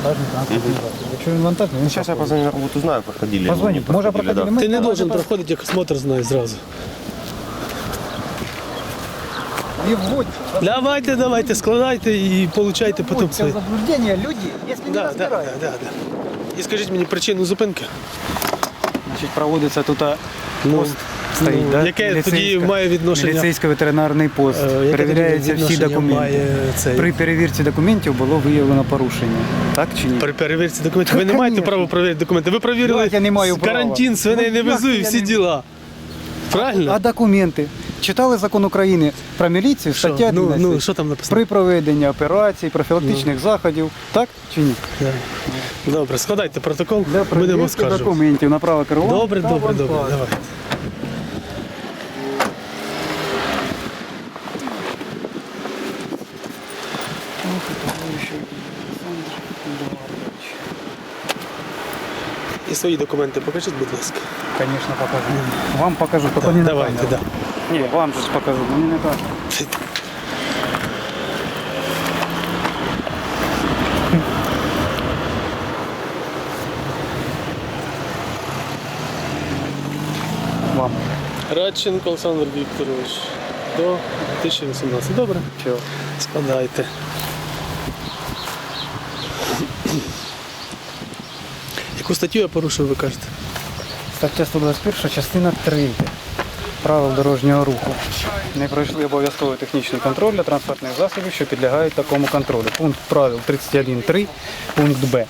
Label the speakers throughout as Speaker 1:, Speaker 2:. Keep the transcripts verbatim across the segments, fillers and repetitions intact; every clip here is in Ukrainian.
Speaker 1: вантажний транспортний засіб. Якщо він вантажний, він
Speaker 2: Сейчас я позвоню на работу, знаю, проходили.
Speaker 1: Позвоню.
Speaker 2: ну, не
Speaker 1: Може
Speaker 2: проходили,
Speaker 1: проходили
Speaker 2: да.
Speaker 1: ми?
Speaker 3: Ти не
Speaker 1: давайте
Speaker 3: должен
Speaker 1: пос-
Speaker 3: проходити, як осмотр знає зразу.
Speaker 1: Не вводьте.
Speaker 3: Давайте, давайте, складайте і получайте потім
Speaker 1: Вводьте в
Speaker 3: свої.
Speaker 1: заблуждение люди, если не
Speaker 3: Да, да, да,
Speaker 1: разбираются.
Speaker 3: да, да. І скажіть мені причину зупинки.
Speaker 1: Значить, проводиться тут
Speaker 3: Ну,
Speaker 1: пост стоїть,
Speaker 3: ну,
Speaker 1: да?
Speaker 3: яке тоді
Speaker 1: Міліцейська-
Speaker 3: має відношення?
Speaker 1: Міліцейсько-ветеринарний пост.
Speaker 3: Е, яке
Speaker 1: Перевіряються
Speaker 3: тоді
Speaker 1: всі
Speaker 3: відношення
Speaker 1: документи.
Speaker 3: має цей?
Speaker 1: При перевірці документів було виявлено порушення. Так чи ні?
Speaker 3: При перевірці документів. Ви не маєте
Speaker 1: Конечно.
Speaker 3: права перевірити документи. Ви перевірили
Speaker 1: Як я не маю права?
Speaker 3: карантин, свиней не
Speaker 1: Ну, як
Speaker 3: везу і
Speaker 1: я
Speaker 3: всі
Speaker 1: не-
Speaker 3: діла. Правильно?
Speaker 1: А документи? Читали закон України про міліцію,
Speaker 3: Що?
Speaker 1: стаття
Speaker 3: Ну,
Speaker 1: одинадцять.
Speaker 3: ну, що там написано?
Speaker 1: При проведенні операцій, профілактичних заходів. Так чи ні?
Speaker 3: Да. Добре, складайте протокол,
Speaker 1: Для
Speaker 3: будемо
Speaker 1: перевірки
Speaker 3: оскаржувати.
Speaker 1: документів на право керування.
Speaker 3: Добре,
Speaker 1: та
Speaker 3: добре, добре,
Speaker 1: вантажу.
Speaker 3: давайте. І свої документи покажіть, будь ласка.
Speaker 1: Конечно, покажу. Вам покажу, только не на
Speaker 3: Давайте,
Speaker 1: камеру.
Speaker 3: да.
Speaker 1: Не, вам же ж покажу, но не на камеру. Вам.
Speaker 3: Радченко Олександр Вікторович. До дві тисячі вісімнадцятого. Добре?
Speaker 1: Чого?
Speaker 3: Складайте. Яку статтю я порушив, ви кажете?
Speaker 1: Стаття сто двадцять перша, частина три. Правил дорожнього руху. Не пройшли обов'язковий технічний контроль для транспортних засобів, що підлягають такому контролю. Пункт правил тридцять один три, пункт Б.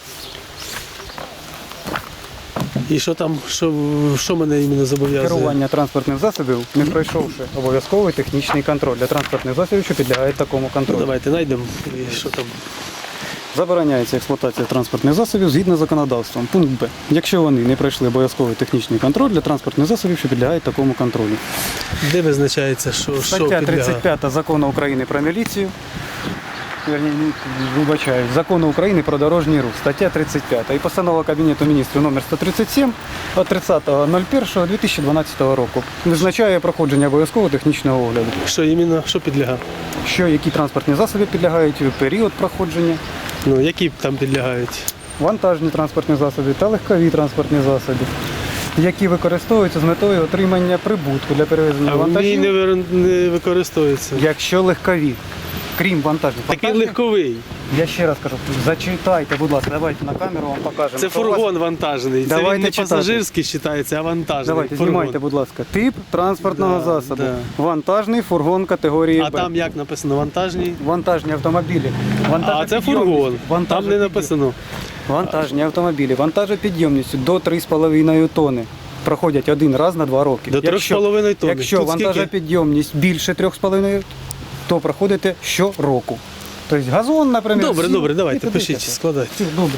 Speaker 3: І що там, що, що мене іменно зобов'язує?
Speaker 1: Керування транспортних засобів, не пройшовши обов'язковий технічний контроль для транспортних засобів, що підлягають такому
Speaker 3: Ну,
Speaker 1: контролю.
Speaker 3: давайте знайдемо. І що там?
Speaker 1: Забороняється експлуатація транспортних засобів згідно з законодавством. Пункт Б. Якщо вони не пройшли обов'язковий технічний контроль для транспортних засобів, що підлягають такому контролю.
Speaker 3: Де визначається, що, що
Speaker 1: Стаття
Speaker 3: підлягає?
Speaker 1: тридцять п'ята Закону України про міліцію. Верні, вибачаю, Закону України про дорожній рух. Стаття тридцять п'ята. І постанова Кабінету міністрів номер сто тридцять сім від тридцятого першого дві тисячі дванадцятого року визначає проходження обов'язкового технічного огляду.
Speaker 3: Що іменно, що підлягає?
Speaker 1: Що, які транспортні засоби підлягають у період проходження,
Speaker 3: Ну, які там підлягають?
Speaker 1: вантажні транспортні засоби та легкові транспортні засоби, які використовуються з метою отримання прибутку для перевезення
Speaker 3: А в ній
Speaker 1: вантажів,
Speaker 3: не, вир- не використовується.
Speaker 1: якщо легкові, крім вантажних.
Speaker 3: Такий
Speaker 1: Вантажні-
Speaker 3: легковий.
Speaker 1: Я ще раз кажу, зачитайте, будь ласка, давайте на камеру вам покажемо.
Speaker 3: Це
Speaker 1: що у вас-
Speaker 3: фургон вантажний. Це
Speaker 1: Давайте
Speaker 3: він не
Speaker 1: читати.
Speaker 3: пасажирський вважається, а вантажний.
Speaker 1: Давайте,
Speaker 3: фургон.
Speaker 1: знімайте, будь ласка. Тип транспортного
Speaker 3: Да,
Speaker 1: засобу.
Speaker 3: да.
Speaker 1: Вантажний фургон категорії
Speaker 3: А
Speaker 1: Б.
Speaker 3: там як написано вантажний?
Speaker 1: Вантажні автомобілі.
Speaker 3: А це фургон. Там не
Speaker 1: Вантажопідйом-
Speaker 3: написано.
Speaker 1: Вантажні автомобілі. Вантажопідйомністю до три з половиною тонни. Проходять один раз на два роки.
Speaker 3: До три з половиною тонни.
Speaker 1: Якщо
Speaker 3: Тут скільки?
Speaker 1: вантажопідйомність більше трьох з половиною, то проходите щороку. Тобто газон, наприклад.
Speaker 3: Добре,
Speaker 1: сів,
Speaker 3: добре,
Speaker 1: і
Speaker 3: давайте,
Speaker 1: туди
Speaker 3: пишіть,
Speaker 1: таке.
Speaker 3: складайте.
Speaker 1: Все, добре.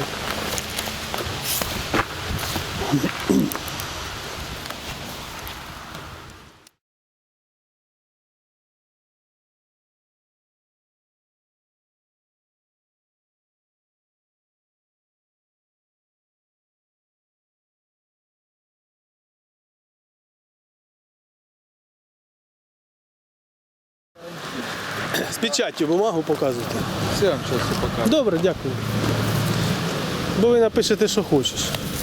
Speaker 3: З печаттю бумагу показуйте.
Speaker 4: Все, вам сейчас все покажу.
Speaker 3: Добре, дякую. Бо ви напишете, що хочеш.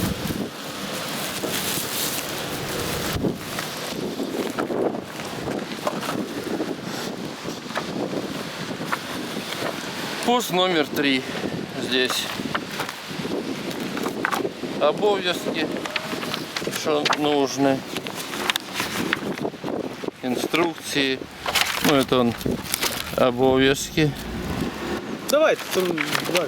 Speaker 4: Пост номер три здесь. Обов'язки, что нужны. Инструкции. Ну, это он обов'язки.
Speaker 3: Давайте, там далі.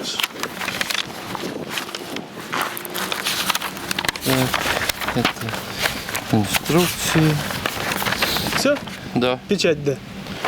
Speaker 4: Так, это инструкции.
Speaker 3: Все?
Speaker 4: Да.
Speaker 3: Печать де?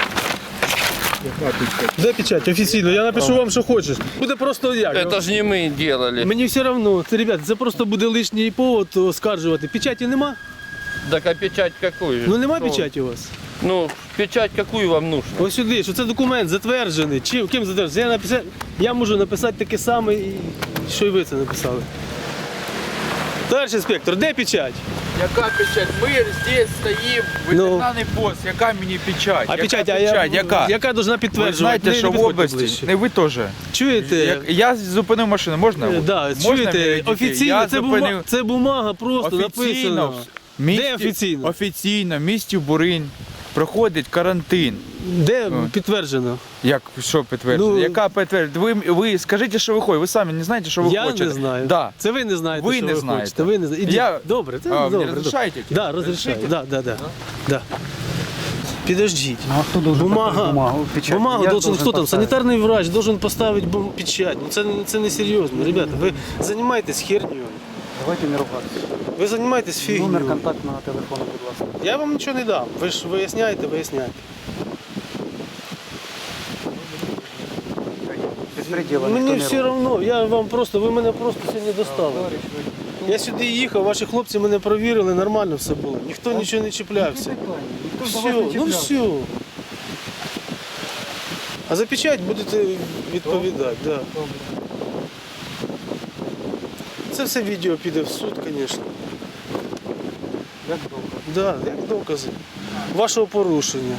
Speaker 3: Де печать? Офіційно. Я напишу вам, що хочеш. Буде просто як.
Speaker 4: Это же не мы делали.
Speaker 3: Мені все одно. Це, ребят, це просто буде лишній повод оскаржувати. Печаті нема?
Speaker 4: Так а печать какую?
Speaker 3: Ну нема
Speaker 4: Что?
Speaker 3: печаті у вас?
Speaker 4: Ну, печать какую вам нужно?
Speaker 3: Ось сюди, що це документ затверджений. Чим, ким затверджений? Я, написав, я можу написати таке саме, і що і ви це написали. Товариш інспектор, де печать?
Speaker 5: Яка печать? Ми здесь стоїмо, ветеринарний пост, яка мені печать?
Speaker 3: А
Speaker 5: яка
Speaker 3: печать, а я,
Speaker 5: печать? Яка?
Speaker 3: яка должна
Speaker 5: Ви
Speaker 3: підтверджувати?
Speaker 5: знаєте,
Speaker 3: Не-
Speaker 5: що
Speaker 3: не
Speaker 5: в
Speaker 3: підходьте
Speaker 5: області,
Speaker 3: ближче.
Speaker 5: не ви теж.
Speaker 3: Чуєте?
Speaker 5: Як, я зупинив машину, можна?
Speaker 3: Е, Да,
Speaker 5: Можна
Speaker 3: чуєте,
Speaker 5: мені дітей?
Speaker 3: офіційно,
Speaker 5: Я
Speaker 3: це,
Speaker 5: зупинив
Speaker 3: бума, це бумага просто
Speaker 5: офіційно,
Speaker 3: написано.
Speaker 5: в місті,
Speaker 3: Де офіційно?
Speaker 5: Офіційно, в місті Буринь проходить карантин.
Speaker 3: Де
Speaker 5: О.
Speaker 3: підтверджено?
Speaker 5: Як, що підтверджено?
Speaker 3: Ну,
Speaker 5: Яка підтвердження? Ви, ви скажіть, що ви хочете, ви самі не знаєте, що ви
Speaker 3: Я
Speaker 5: хочете.
Speaker 3: не знаю.
Speaker 5: Да.
Speaker 3: Це ви не знаєте,
Speaker 5: Ви
Speaker 3: що
Speaker 5: не
Speaker 3: ви
Speaker 5: знаєте.
Speaker 3: хочете. Ви не знаєте. Ідіть.
Speaker 5: Я-
Speaker 3: Добре, це
Speaker 5: А, мені
Speaker 3: добре.
Speaker 5: розрішаєте?
Speaker 3: Так, да, розрішаю.
Speaker 5: Розрішите?
Speaker 3: Да, да, да. Да. Підождіть.
Speaker 1: Ну, а хто должен
Speaker 3: Бумага.
Speaker 1: поставити бумагу, печать?
Speaker 3: Бумагу
Speaker 1: Я
Speaker 3: должен,
Speaker 1: должен
Speaker 3: хто там?
Speaker 1: поставити.
Speaker 3: Санітарний врач должен поставити бум- печать. Ну це, це не серйозно. Ребята, ви займаєтесь хернею.
Speaker 1: Давайте не ругатися.
Speaker 3: Ви займаєтесь
Speaker 1: Номер
Speaker 3: фігнею.
Speaker 1: контактного телефону, будь ласка.
Speaker 3: Я вам нічого не дам. Ви ж виясняєте, виясняєте.
Speaker 1: Безпреділа
Speaker 3: Мені
Speaker 1: ніхто не
Speaker 3: все
Speaker 1: робить.
Speaker 3: одно, я вам просто, ви мене просто сьогодні достали. Я сюди їхав, ваші хлопці мене провірили, нормально все було. Ніхто нічого не чіплявся. Все, ну все. А за печать будете відповідати, да. Це все відео піде в суд, звісно.
Speaker 1: Як довго?
Speaker 3: Да, як докази вашого порушення.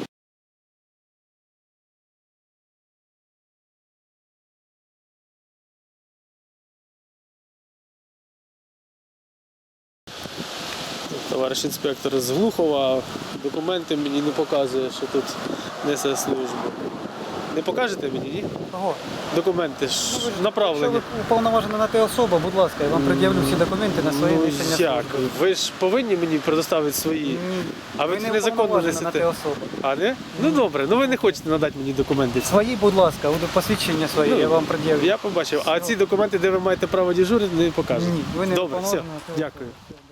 Speaker 3: Товариш інспектор з Глухова документи мені не показує, що тут несе службу. Не покажете мені, ні?
Speaker 1: Кого?
Speaker 3: Документи ж
Speaker 1: Якщо
Speaker 3: направлені.
Speaker 1: ви уповноважена на те особа, будь ласка, я вам пред'явлю всі документи на своє
Speaker 3: Ну
Speaker 1: несення
Speaker 3: як?
Speaker 1: служби.
Speaker 3: Ви ж повинні мені предоставити свої.
Speaker 1: Ні.
Speaker 3: А ви
Speaker 1: не
Speaker 3: незаконно
Speaker 1: уповноважена на те
Speaker 3: несете.
Speaker 1: особа.
Speaker 3: А не? Ну добре, ну ви не хочете надати мені документи.
Speaker 1: Свої, будь ласка, от посвідчення свої,
Speaker 3: Ну,
Speaker 1: я вам пред'явлю.
Speaker 3: Я побачив. А ці документи, де ви маєте право дежурити, не покажете.
Speaker 1: Ні, ви не
Speaker 3: Добре, все.
Speaker 1: уповноважена на те особа.
Speaker 3: Дякую.